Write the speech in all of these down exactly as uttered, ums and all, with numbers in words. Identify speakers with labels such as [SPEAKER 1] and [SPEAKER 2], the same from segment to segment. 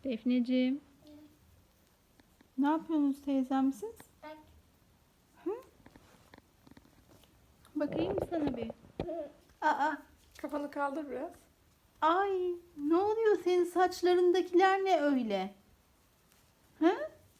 [SPEAKER 1] Defneciğim. Ne yapıyorsunuz teyzem siz?
[SPEAKER 2] Bak.
[SPEAKER 1] Hı? Bakayım mı sana bir? Aa,
[SPEAKER 3] Kafanı kaldır biraz.
[SPEAKER 1] ay ne oluyor senin saçlarındakiler ne öyle? Hı?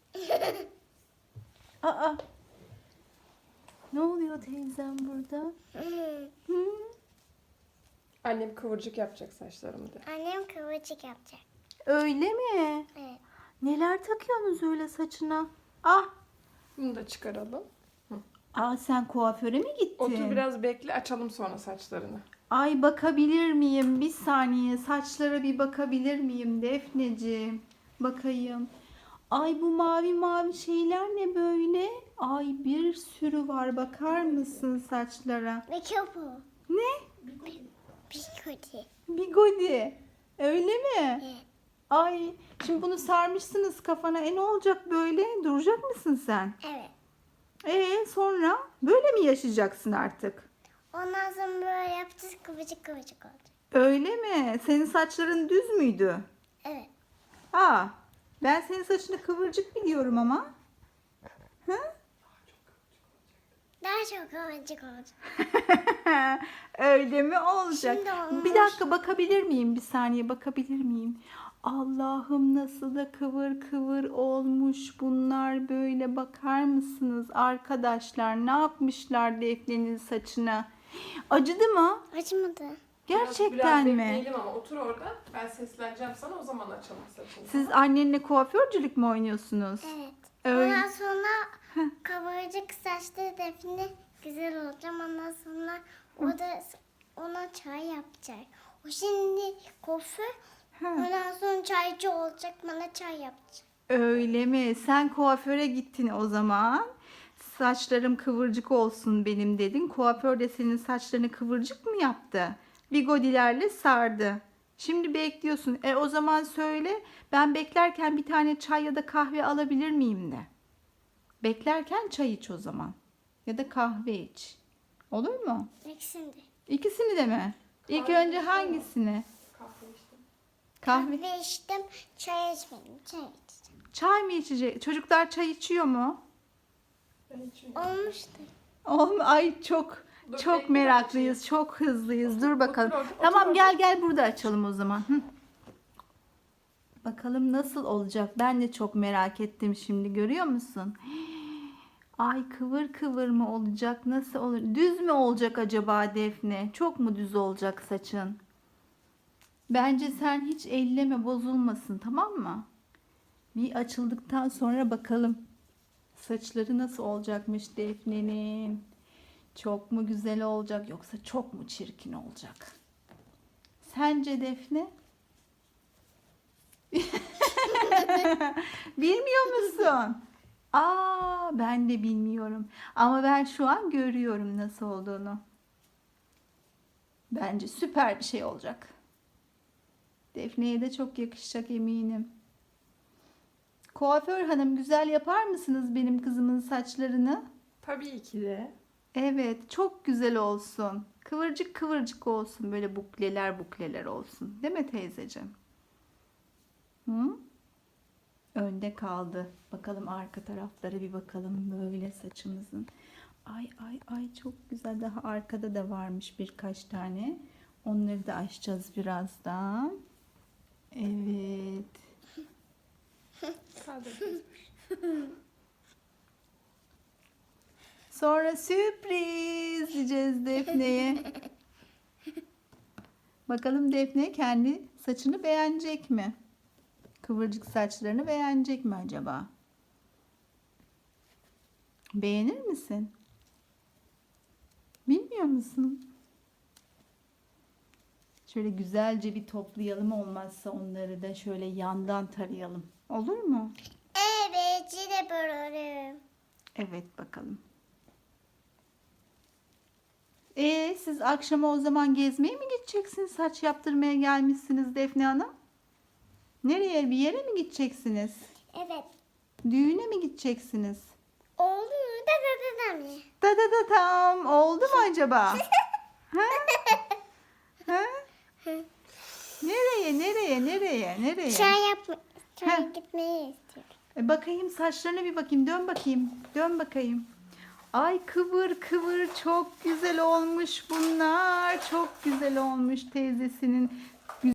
[SPEAKER 1] Aa, ne oluyor teyzem burada? Hı?
[SPEAKER 3] Annem kıvırcık yapacak saçlarımı de.
[SPEAKER 2] Annem kıvırcık yapacak.
[SPEAKER 1] Öyle mi?
[SPEAKER 2] Evet.
[SPEAKER 1] Neler takıyorsunuz öyle saçına? Ah,
[SPEAKER 3] Bunu da çıkaralım.
[SPEAKER 1] aa sen kuaföre mi gittin?
[SPEAKER 3] Otur biraz bekle, açalım sonra saçlarını.
[SPEAKER 1] Ay bakabilir miyim? Bir saniye saçlara bir bakabilir miyim Defneciğim? Bakayım. Ay bu mavi mavi şeyler ne böyle? Ay bir sürü var bakar mısın saçlara?
[SPEAKER 2] Ve köpü.
[SPEAKER 1] Ne?
[SPEAKER 2] Bigodi.
[SPEAKER 1] Bigodi. Öyle mi?
[SPEAKER 2] Evet.
[SPEAKER 1] Ay şimdi bunu sarmışsınız kafana. E ne olacak böyle? Duracak mısın sen?
[SPEAKER 2] Evet.
[SPEAKER 1] E sonra böyle mi yaşayacaksın artık?
[SPEAKER 2] Ondan sonra böyle yapacağız, kıvırcık kıvırcık oldu.
[SPEAKER 1] Öyle mi? Senin saçların düz müydü?
[SPEAKER 2] Evet.
[SPEAKER 1] Aa, ben senin saçını kıvırcık biliyorum ama. Hı?
[SPEAKER 2] Daha çok kıvırcık oldu.
[SPEAKER 1] Öyle mi olacak?
[SPEAKER 2] Şimdi olmuş.
[SPEAKER 1] Bir dakika bakabilir miyim? Bir saniye bakabilir miyim? Allah'ım nasıl da kıvır kıvır olmuş bunlar böyle bakar mısınız arkadaşlar? Ne yapmışlar Defne'nin saçına? Acıdı mı?
[SPEAKER 2] Acımadı.
[SPEAKER 1] Gerçekten
[SPEAKER 3] biraz
[SPEAKER 1] mi?
[SPEAKER 3] bekleyelim ama otur orada. Ben sesleneceğim sana, o zaman açalım saçını.
[SPEAKER 1] Siz annenle kuaförcülük mü oynuyorsunuz?
[SPEAKER 2] Evet.
[SPEAKER 1] Öyle.
[SPEAKER 2] Ondan sonra kıvırcık saçlı Defne güzel olacağım. Ondan sonra o da ona çay yapacak. O şimdi kuaför.
[SPEAKER 1] Ha.
[SPEAKER 2] Ondan sonra çaycı olacak. Bana çay yapacak.
[SPEAKER 1] Öyle mi? Sen kuaföre gittin o zaman. Saçlarım kıvırcık olsun benim dedin. Kuaför de senin saçlarını kıvırcık mı yaptı? Bigodilerle sardı. Şimdi bekliyorsun. E o zaman söyle. Ben beklerken bir tane çay ya da kahve alabilir miyim de. Beklerken çay iç o zaman. Ya da kahve iç. Olur mu?
[SPEAKER 2] İkisini de.
[SPEAKER 1] İkisini de mi? İlk
[SPEAKER 3] Kahve
[SPEAKER 1] önce
[SPEAKER 3] içtin mi?
[SPEAKER 1] hangisini?
[SPEAKER 3] Kahve içtim.
[SPEAKER 1] Kahve.
[SPEAKER 2] Kahve içtim. Çay içmedim. Çay içtim.
[SPEAKER 1] Çay mı içecek? Çocuklar çay içiyor mu?
[SPEAKER 3] Ben içmiyorum.
[SPEAKER 2] Olmuştu.
[SPEAKER 1] Oğlum ay çok
[SPEAKER 3] Dur,
[SPEAKER 1] çok
[SPEAKER 3] bekle,
[SPEAKER 1] meraklıyız, çok hızlıyız. Dur bakalım.
[SPEAKER 3] otur orada,
[SPEAKER 1] Tamam
[SPEAKER 3] otur
[SPEAKER 1] gel gel burada açalım o zaman. Hı. Bakalım nasıl olacak? Ben de çok merak ettim şimdi. Görüyor musun? Ay kıvır kıvır mı olacak? Nasıl olur? Düz mü olacak acaba Defne? Çok mu düz olacak saçın? Bence sen hiç elleme bozulmasın, tamam mı? Bir açıldıktan sonra bakalım. Saçları nasıl olacakmış Defne'nin? Çok mu güzel olacak yoksa çok mu çirkin olacak? Sence Defne? Bilmiyor musun? Aa, ben de bilmiyorum. Ama ben şu an görüyorum nasıl olduğunu. Bence süper bir şey olacak. Defne'ye de çok yakışacak eminim. Kuaför hanım güzel yapar mısınız benim kızımın saçlarını?
[SPEAKER 3] Tabii ki de.
[SPEAKER 1] Evet, çok güzel olsun. Kıvırcık kıvırcık olsun. Böyle bukleler bukleler olsun. Değil mi teyzeciğim? Hı? Önde kaldı. Bakalım arka taraflara bir bakalım böyle saçımızın. Ay ay ay çok güzel. Daha arkada da varmış birkaç tane. Onları da açacağız birazdan. Evet.
[SPEAKER 3] Kaldır.
[SPEAKER 1] Sonra sürpriz diyeceğiz Defne'ye. Bakalım Defne kendi saçını beğenecek mi? Kıvırcık saçlarını beğenecek mi acaba? Beğenir misin? Bilmiyor musun? Şöyle güzelce bir toplayalım, olmazsa onları da şöyle yandan tarayalım. Olur mu?
[SPEAKER 2] Evet. Yine böyle.
[SPEAKER 1] Evet bakalım. Ee, siz akşama o zaman gezmeye mi gideceksiniz? Saç yaptırmaya gelmişsiniz Defne Hanım. Nereye? Bir yere mi gideceksiniz?
[SPEAKER 2] Evet.
[SPEAKER 1] Düğüne mi gideceksiniz?
[SPEAKER 2] Oldu mu? Da da da da mı?
[SPEAKER 1] Da da da tam. Oldu mu acaba? Ha? Ha? Nereye? Nereye? Nereye? Nereye?
[SPEAKER 2] Çay yapma. Çaya
[SPEAKER 1] Heh.
[SPEAKER 2] gitmeyi istiyorum.
[SPEAKER 1] E bakayım saçlarına bir bakayım. Dön bakayım. Dön bakayım. Ay kıvır kıvır çok güzel olmuş bunlar. Çok güzel olmuş teyzesinin